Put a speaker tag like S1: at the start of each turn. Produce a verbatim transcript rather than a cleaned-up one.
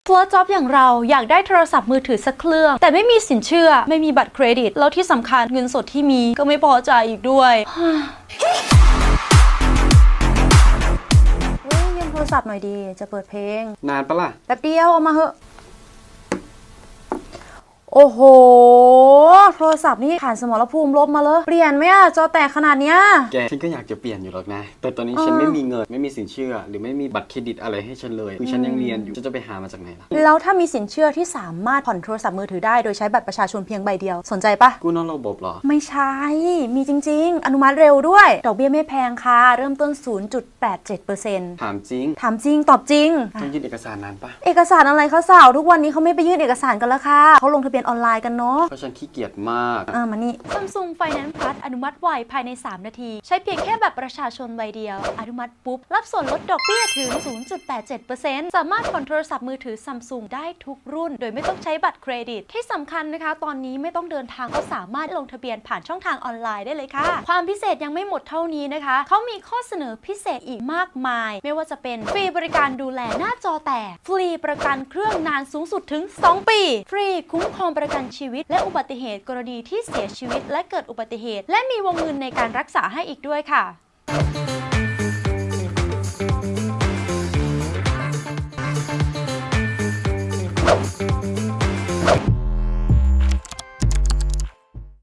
S1: ฟัวจ็อบอย่างเราอยากได้โทรศัพท์มือถือสักเครื่องแต่ไม่มีสินเชื่อไม่มีบัตรเครดิตแล้วที่สำคัญเงินสดที่มีก็ไม่พอจ่ายอีกด้วยเฮ้ยยืมโทรศัพท์หน่อยดีจะเปิดเพลง
S2: นานปะล่ะ
S1: แป๊บเดียวเอามาเหอะโอ้โหโทรศัพท์นี่ผ่านสมรภูมิลบมาเลยเปลี่ยนไหมอะจอแตกขนาดเนี้ย
S2: แกฉันก็อยากจะเปลี่ยนอยู่หรอกนะแต่ตอนนี้ฉันไม่มีเงินไม่มีสินเชื่อหรือไม่มีบัตรเครดิตอะไรให้ฉันเลยคือฉันยังเรียนอยู่ฉันจะไปหามาจากไหนล่ะ
S1: แล้วถ้ามีสินเชื่อที่สามารถผ่อนโทรศัพท์มือถือได้โดยใช้บัตรประชาชนเพียงใบเดียวสนใจปะ
S2: กู้นอกระบบเหรอ
S1: ไม่ใช่มีจริงๆอนุมัติเร็วด้วยดอกเบี้ยไม่แพงค่ะเริ่มต้น ศูนย์จุดแปดเจ็ดเปอร์เซ็นต์
S2: ถามจริง
S1: ถามจริงตอบจริง
S2: ต้องยื่นเอกสารนานปะ
S1: เอกสารอะไรคะสาวทุกวันนี้เขาไม่ไปยื่นเอกสารกันแล้วค่ะเขาลงทะเบียนออนไลน์กันเนาะ
S2: เพราะฉันขี้เกียจมาก
S1: อ่ามานี่ Samsung Finance Plus อนุมัติไวภายในสามนาทีใช้เพียงแค่บัตรประชาชนใบเดียวอนุมัติปุ๊บรับส่วนลดดอกเบี้ยถึง ศูนย์จุดแปดเจ็ดเปอร์เซ็นต์ สามารถผ่อนโทรศัพท์มือถือ Samsung ได้ทุกรุ่นโดยไม่ต้องใช้บัตรเครดิตที่สำคัญนะคะตอนนี้ไม่ต้องเดินทางก็สามารถลงทะเบียนผ่านช่องทางออนไลน์ได้เลยค่ะความพิเศษยังไม่หมดเท่านี้นะคะเขามีข้อเสนอพิเศษอีกมากมายไม่ว่าจะเป็นฟรีบริการดูแลหน้าจอแตกฟรีประกันเครื่องนานสูงสุดถึงสองปีฟรีคุ้มครองประกันชีวิตและอุบัติเหตุกรณีที่เสียชีวิตและเกิดอุบัติเหตุและมีวงเงินในการรักษาให้อีกด้วยค่ะ